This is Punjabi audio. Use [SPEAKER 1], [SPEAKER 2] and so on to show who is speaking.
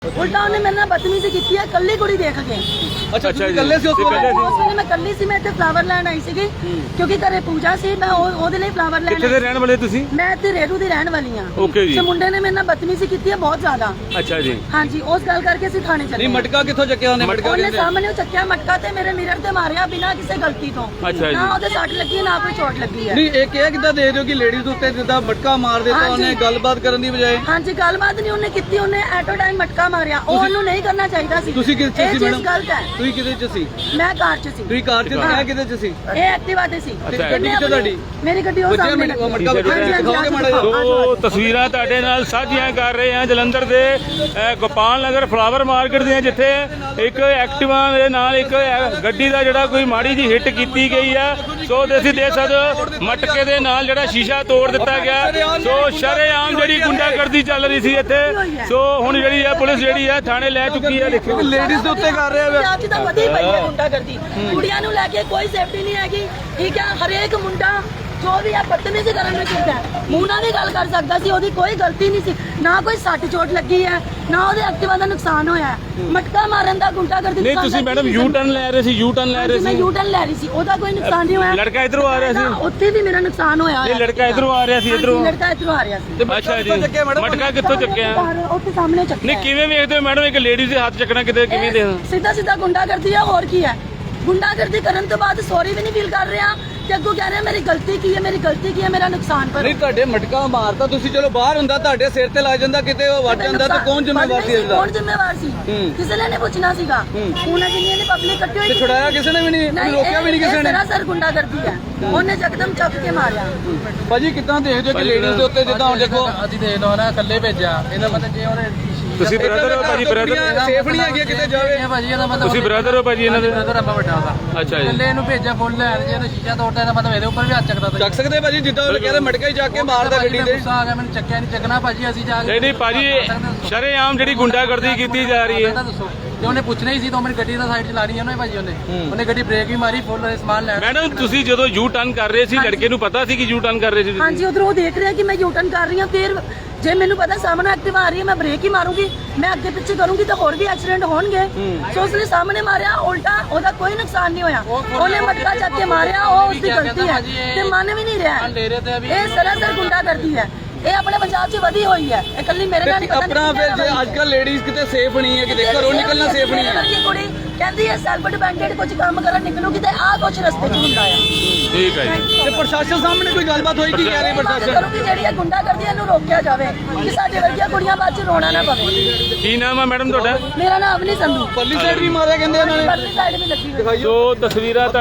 [SPEAKER 1] उल्टा उन्हें मेरे नाल बदतमीजी की है कल्ली कुड़ी देख के।
[SPEAKER 2] अच्छा जी कल्ले से उस
[SPEAKER 1] ਵੇਲੇ ਮੈਂ ਕੱਲੀ ਸੀ, ਮੈਂ ਇੱਥੇ ਫਲਾਵਰ ਲੈਣ ਆਈ ਸੀਗੀ ਕਿਉਂਕਿ ਘਰੇ ਪੂਜਾ ਸੀ। ਮੈਂ ਉਹਦੇ ਲਈ ਫਲਾਵਰ ਲੈਣ।
[SPEAKER 2] ਕਿੱਥੇ ਦੇ ਰਹਿਣ ਵਾਲੇ ਤੁਸੀਂ?
[SPEAKER 1] ਮੈਂ ਇੱਥੇ ਰੇੜੂ ਦੀ ਰਹਿਣ ਵਾਲੀ ਆ।
[SPEAKER 2] ਓਕੇ ਜੀ।
[SPEAKER 1] ਤੇ ਮੁੰਡੇ ਨੇ ਮੇਰੇ ਨਾਲ ਬਦਤਮੀਜ਼ੀ ਕੀਤੀ ਹੈ ਬਹੁਤ ਜ਼ਿਆਦਾ।
[SPEAKER 2] ਅੱਛਾ ਜੀ।
[SPEAKER 1] ਹਾਂਜੀ, ਉਸ ਗੱਲ ਕਰਕੇ ਅਸੀਂ ਥਾਣੇ ਚਲੇ।
[SPEAKER 3] ਨਹੀਂ ਮਟਕਾ ਕਿੱਥੋਂ ਚੱਕਿਆ ਉਹਨੇ? ਮਟਕਾ
[SPEAKER 1] ਉਹਨੇ ਸਾਹਮਣੇ ਉਹ ਚੱਕਿਆ ਮਟਕਾ ਤੇ ਮੇਰੇ ਮਿਰਰ ਤੇ ਮਾਰਿਆ ਬਿਨਾਂ ਕਿਸੇ ਗਲਤੀ ਤੋਂ।
[SPEAKER 2] ਅੱਛਾ ਜੀ।
[SPEAKER 1] ਨਾ ਉਹਦੇ ਸੱਟ ਲੱਗੀ ਨਾ ਕੋਈ ਚੋਟ ਲੱਗੀ ਹੈ।
[SPEAKER 3] ਨਹੀਂ ਇਹ ਕਿੱਦਾਂ ਦੇਖਦੇ ਹੋ ਕਿ ਲੇਡੀਜ਼ ਉੱਤੇ ਜਿੱਦਾਂ ਮਟਕਾ ਮਾਰ ਦਿੱਤਾ ਉਹਨੇ ਗੱਲਬਾਤ ਕਰਨ ਦੀ ਬਜਾਏ?
[SPEAKER 1] ਹਾਂਜੀ, ਗੱਲਬਾਤ ਨਹੀਂ ਉਹਨੇ ਕੀਤੀ, ਉਹਨੇ ਐਟੋ ਟਾਈਮ ਮਟਕਾ ਮਾਰਿਆ। ਉਹ ਉਹਨੂੰ ਨਹੀਂ ਕਰਨਾ ਚਾਹੀਦਾ ਸੀ।
[SPEAKER 3] ਤੁਸੀਂ ਕਿਸ ਚ ਸੀ ਮੈਡਮ?
[SPEAKER 1] ਗਲਤ ਹੈ।
[SPEAKER 3] ਤੁਸੀਂ ਕਿਹਦੇ ਚ ਸੀ?
[SPEAKER 1] ਮੈਂ ਕਾਰ 'ਚ ਸੀ।
[SPEAKER 3] ਤੁਸੀਂ ਕਾਰ 'ਚ ਸੀ? ਕਿਹਦੇ 'ਚ ਸੀ?
[SPEAKER 1] ਇਹ ਐਕਟਿਵਾ ਤੇ ਸੀ।
[SPEAKER 3] ਗੱਡੀ ਕਿੱਥੇ ਤੁਹਾਡੀ?
[SPEAKER 1] ਮੇਰੀ ਗੱਡੀ ਉਹ ਸਾਹਮਣੇ ਲੱਗੀ।
[SPEAKER 3] ਮਟਕਾ ਦਿਖਾਓਗੇ ਮਾੜਾ ਜਿਹਾ?
[SPEAKER 2] ਦੋ ਤਸਵੀਰਾਂ ਤੁਹਾਡੇ ਨਾਲ ਸਾਂਝੀਆਂ ਕਰ ਰਹੇ ਹਾਂ ਜਲੰਧਰ ਦੇ ਗੋਪਾਲ ਨਗਰ ਫਲਾਵਰ ਮਾਰਕੀਟ ਦੀਆਂ, ਜਿੱਥੇ ਇੱਕ ਐਕਟਿਵਾ ਦੇ ਨਾਲ ਇੱਕ ਗੱਡੀ ਦਾ ਜਿਹੜਾ ਕੋਈ ਮਾੜੀ ਜੀ ਹਿੱਟ ਕੀਤੀ ਗਈ ਆ। ਸੋ ਤੁਸੀਂ ਦੇਖ ਸਕਦੇ ਹੋ ਮਟਕੇ ਦੇ ਨਾਲ ਜਿਹੜਾ ਸ਼ੀਸ਼ਾ ਤੋੜ ਦਿੱਤਾ ਗਿਆ। ਸੋ ਸ਼ਰੇਆਮ ਜਿਹੜੀ ਗੁੰਡਾਗਰਦੀ ਚੱਲ ਰਹੀ ਸੀ ਇੱਥੇ। ਸੋ ਹੁਣ ਜਿਹੜੀ ਹੈ ਪੁਲਿਸ ਜਿਹੜੀ ਹੈ ਥਾਣੇ ਲੈ ਚੁੱਕੀ ਹੈ। ਦੇਖੋ
[SPEAKER 3] ਲੇਡੀਜ਼ ਦੇ ਉੱਤੇ ਕਰ ਰਿਹਾ ਹੈ।
[SPEAKER 1] ਅੱਜ ਤਾਂ ਵਧੀ ਪਈ ਹੈ ਗੁੰਡਾਗਰਦੀ। ਕੁੜੀਆਂ ਨੂੰ ਲੈ ਕੇ ਕੋਈ ਸੇਫਟੀ ਨਹੀਂ ਹੈਗੀ। ਠੀਕ ਹੈ, ਹਰੇਕ ਮੁੰਡਾ ਜੋ ਵੀ ਹੈ ਬਦਤਮੀਜ਼ੀ ਕਰਨ ਨੂੰ ਚਾਹੀਦਾ ਹੈ। ਮੂੰਹ ਨਾਲ ਵੀ ਗੱਲ ਕਰ ਸਕਦਾ ਸੀ, ਉਹਦੀ ਕੋਈ ਗਲਤੀ ਨਹੀਂ ਸੀ। ਨਾ ਕੋਈ ਸੱਟ ਚੋਟ ਲੱਗੀ ਹੈ, ਨਾ ਉਹਦੇ ਐਕਟਿਵਾ ਦਾ ਨੁਕਸਾਨ ਹੋਇਆ ਹੈ। ਮਟਕਾ ਮਾਰਨ ਦਾ ਗੁੰਡਾਗਰਦੀ।
[SPEAKER 2] ਨਹੀਂ ਤੁਸੀਂ ਮੈਡਮ ਯੂ ਟਰਨ ਲੈ ਰਹੇ ਸੀ? ਯੂ ਟਰਨ ਲੈ ਰਹੇ
[SPEAKER 1] ਮੈਂ
[SPEAKER 2] ਸੀ?
[SPEAKER 1] ਯੂ ਟਰਨ ਲੈ ਰਹੀ ਸੀ, ਉਹਦਾ ਕੋਈ ਨੁਕਸਾਨ ਨਹੀਂ ਹੋਇਆ।
[SPEAKER 2] ਲੜਕਾ ਇਧਰੋਂ ਆ ਰਿਹਾ ਸੀ?
[SPEAKER 1] ਉੱਥੇ ਵੀ ਮੇਰਾ ਨੁਕਸਾਨ ਹੋਇਆ।
[SPEAKER 2] ਇਹ ਲੜਕਾ ਇਧਰੋਂ ਆ ਰਿਹਾ ਸੀ? ਇਧਰੋਂ
[SPEAKER 1] ਲੜਕਾ ਇਧਰੋਂ ਆ ਰਿਹਾ ਸੀ।
[SPEAKER 2] ਅੱਛਾ ਜੀ। ਮਟਕਾ ਕਿੱਥੋਂ ਚੱਕਿਆ?
[SPEAKER 1] ਉੱਥੇ ਸਾਹਮਣੇ ਚੱਕਿਆ।
[SPEAKER 2] ਨਹੀਂ ਕਿਵੇਂ ਵੇਖਦੇ ਹੋ ਮੈਡਮ ਇੱਕ ਲੇਡੀਜ਼ ਦੇ ਹੱਥ ਚੱਕਣਾ ਕਿਤੇ ਕਿਵੇਂ ਦੇ?
[SPEAKER 1] ਸਿੱਧਾ ਸਿੱਧਾ ਗੁੰਡਾਗਰਦੀ ਹੈ, ਹੋਰ ਕੀ ਹੈ। ਗੁੰਡਾਗਰਦੀ ਕਰਨ ਤੋਂ ਬਾਅਦ ਸੌਰੀ ਵੀ ਨਹੀਂ ਫੀਲ ਕਰ ਰਿਹਾ ਤੇ ਅੱਗੋਂ ਕਹਿ ਰਿਹਾ ਮੇਰੀ ਗਲਤੀ ਕੀ ਹੈ, ਮੇਰੀ ਗਲਤੀ ਕੀ ਹੈ, ਮੇਰਾ ਨੁਕਸਾਨ ਪਰ।
[SPEAKER 3] ਨਹੀਂ ਤੁਹਾਡੇ ਮਟਕਾ ਮਾਰਤਾ ਤੁਸੀਂ, ਚਲੋ ਬਾਹਰ ਹੁੰਦਾ ਤੁਹਾਡੇ ਸਿਰ ਤੇ ਲੱਗ ਜਾਂਦਾ, ਕਿਤੇ ਉਹ ਵੱਜ ਜਾਂਦਾ ਤਾਂ ਕੌਣ ਜ਼ਿੰਮੇਵਾਰ ਸੀ ਇਹਦਾ?
[SPEAKER 1] ਕੌਣ ਜ਼ਿੰਮੇਵਾਰ ਸੀ? ਕਿਸੇ ਨੇ ਨਹੀਂ ਪੁੱਛਣਾ ਸੀਗਾ। ਉਹਨਾਂ ਜਿੰਨੀ ਨੇ ਪਬਲਿਕ ਇਕੱਠੀ ਹੋਈ
[SPEAKER 3] ਤੇ ਛੁਡਾਇਆ ਕਿਸੇ ਨੇ ਵੀ ਨਹੀਂ, ਰੋਕਿਆ ਵੀ ਨਹੀਂ ਕਿਸੇ ਨੇ।
[SPEAKER 1] ਸਰ ਗੁੰਡਾਗਰਦੀ ਹੈ, ਉਹਨੇ ਯਕਦਮ ਚੱਕ ਕੇ ਮਾਰਿਆ।
[SPEAKER 3] ਭਾਜੀ ਕਿੱਦਾਂ ਦੇਖਦੇ ਹੋ ਕਿ ਲੇਡੀਜ਼ ਦੇ ਉੱਤੇ ਜਿੱਦਾਂ ਹੁਣ ਦੇਖੋ
[SPEAKER 4] ਅਸੀਂ ਦੇਖ ਲਓ ਨਾ ਇਕੱਲੇ ਭੇਜਿਆ, ਇਹਦਾ ਮਤਲਬ ਜੇ ਉਹਨੇ
[SPEAKER 2] ਤੁਸੀਂ ਬ੍ਰਦਰ ਹੋ ਭਾਜੀ? ਬ੍ਰਦਰ
[SPEAKER 3] ਸੇਫ ਨਹੀਂ ਹੈਗੀ ਕਿਤੇ ਜਾਵੇ।
[SPEAKER 4] ਭਾਜੀ ਇਹਦਾ ਮਤਲਬ
[SPEAKER 2] ਤੁਸੀਂ ਬ੍ਰਦਰ ਹੋ ਭਾਜੀ ਇਹਨਾਂ ਦੇ?
[SPEAKER 4] ਬ੍ਰਦਰ ਆਪਾਂ ਵੱਡਾ ਉਹਦਾ।
[SPEAKER 2] ਅੱਛਾ ਜੀ।
[SPEAKER 4] ਇਕੱਲੇ ਇਹਨੂੰ ਭੇਜਿਆ ਫੁੱਲ ਲੈਣ, ਜੇ ਇਹਨੂੰ ਸ਼ੀਸ਼ਾ ਤੋੜਦਾ ਇਹਦਾ ਮਤਲਬ ਇਹਦੇ ਉੱਪਰ ਵੀ ਹੱਥ ਚੱਕਦਾ ਤਾ।
[SPEAKER 3] ਚੱਕ ਸਕਦੇ ਭਾਜੀ, ਜਿੱਦਾਂ ਉਹ ਕਹਿੰਦੇ ਮਟਕਾ ਹੀ ਚੱਕ ਕੇ ਮਾਰਦਾ ਗੱਡੀ ਤੇ।
[SPEAKER 4] ਗੁੱਸਾ ਆ ਗਿਆ ਮੈਨੂੰ, ਚੱਕਿਆ ਨਹੀਂ ਚੱਕਣਾ ਭਾਜੀ। ਅਸੀਂ ਜਾ ਕੇ
[SPEAKER 2] ਨਹੀਂ ਭਾਜੀ ਸ਼ਰੇਆਮ ਜਿਹੜੀ ਗੁੰਡਾਗਰਦੀ ਕੀਤੀ ਜਾ ਰਹੀ ਹੈ।
[SPEAKER 4] ਦੱਸੋ ਜੇ ਉਹਨੇ ਪੁੱਛਣਾ ਹੀ ਸੀ ਤਾਂ ਮੇਰੀ ਗੱਡੀ ਦਾ ਸਾਈਡ ਚਲਾਣੀ ਹੈ ਨਾ ਭਾਜੀ। ਉਹਨੇ ਗੱਡੀ ਬ੍ਰੇਕ ਵੀ ਮਾਰੀ, ਫੁੱਲ ਸਮਾਨ ਲੈਣ।
[SPEAKER 2] ਮੈਡਮ ਤੁਸੀਂ ਜਦੋਂ ਯੂ ਟਰਨ ਕਰ ਰਹੇ ਸੀ ਲੜਕੇ ਨੂੰ ਪਤਾ ਸੀ ਕਿ ਯੂ ਟਰਨ ਕਰ ਰਹੇ ਸੀ?
[SPEAKER 1] ਹਾਂਜੀ, ਉਧਰੋਂ ਉਹ ਦੇਖ ਰਿਹਾ ਕਿ ਮੈਂ ਯੂ ਟਰਨ ਕਰ ਰਹੀ ਹਾਂ। ਫਿਰ ਜੇ ਮੈਨੂੰ ਪਤਾ ਸਾਹਮਣੇ ਐਕਟਿਵਾ ਆ ਰਹੀ ਹੈ, ਮੈਂ ਬ੍ਰੇਕ ਹੀ ਮਾਰੂੰਗੀ। ਮੈਂ ਅੱਗੇ ਪਿੱਛੇ ਕਰੂੰਗੀ ਤਾਂ ਹੋਰ ਵੀ ਐਕਸੀਡੈਂਟ ਹੋਣਗੇ। ਸੋ ਉਸਨੇ ਸਾਹਮਣੇ ਮਾਰਿਆ, ਉਲਟਾ ਉਹਦਾ ਕੋਈ ਨੁਕਸਾਨ ਨਹੀਂ ਹੋਇਆ। ਉਹਨੇ ਮਟਕਾ ਚੱਕ ਕੇ ਮਾਰਿਆ, ਉਹ ਉਸਦੀ ਗਲਤੀ ਹੈ ਤੇ ਮੰਨ ਵੀ ਨਹੀਂ ਰਿਹਾ। ਇਹ ਸਰਾਸਰ ਗੁੰਡਾਗਰਦੀ ਹੈ। ਇਹ ਆਪਣੇ ਪੰਜਾਬ 'ਚ ਵਧੀ ਹੋਈ ਹੈ। ਇਹ ਕੱਲੀ ਮੇਰੇ ਨਾਲ ਨਹੀਂ ਪਤਾ।
[SPEAKER 3] ਆਪਣਾ ਫਿਰ ਜੇ ਅੱਜ ਕੱਲ ਲੇਡੀਜ਼ ਕਿਤੇ ਸੇਫ ਨਹੀਂ ਹੈ, ਕਿਤੇ ਘਰੋਂ ਨਿਕਲਣਾ ਸੇਫ ਨਹੀਂ ਹੈ।
[SPEAKER 1] ਕੁੜੀ ਕਹਿੰਦੀ ਹੈ ਸੈਲਫ ਡਿਪੈਂਡੈਂਟ ਕੁਝ ਕੰਮ ਕਰਨ ਨਿਕਲੂਗੀ ਤੇ ਆਹ ਕੁਝ ਰਸਤੇ 'ਚ ਹੁੰਦਾ ਆ।
[SPEAKER 2] ਠੀਕ ਹੈ ਜੀ।
[SPEAKER 3] ਤੇ ਪ੍ਰਸ਼ਾਸਨ ਸਾਹਮਣੇ ਕੋਈ ਗੱਲਬਾਤ ਹੋਈ ਕੀ ਕਹਿ ਰਹੇ ਪ੍ਰਸ਼ਾਸਨ?
[SPEAKER 1] ਕਰੂਗੀ ਜਿਹੜੀ ਇਹ ਗੁੰਡਾਗਰਦੀ ਇਹਨੂੰ ਰੋਕਿਆ ਜਾਵੇ ਕਿ ਸਾਡੇ ਵਰਗੀਆਂ ਕੁੜੀਆਂ ਬਾਅਦ 'ਚ ਰੋਣਾ ਨਾ ਪਵੇ।
[SPEAKER 2] ਕੀ ਨਾਮ ਹੈ ਮੈਡਮ ਤੁਹਾਡਾ?
[SPEAKER 1] ਮੇਰਾ ਨਾਮ ਅਵਨੀ ਸੰਧੂ।
[SPEAKER 3] ਪਰਲੀ ਸਾਈਡ ਵੀ ਮਾਰਿਆ ਕਹਿੰਦੇ ਇਹਨਾਂ ਨੇ।
[SPEAKER 1] ਪਰਲੀ ਸਾਈਡ ਵੀ ਲੱਗੀ ਹੋਈ।
[SPEAKER 2] ਸੋ ਤਸਵੀਰਾਂ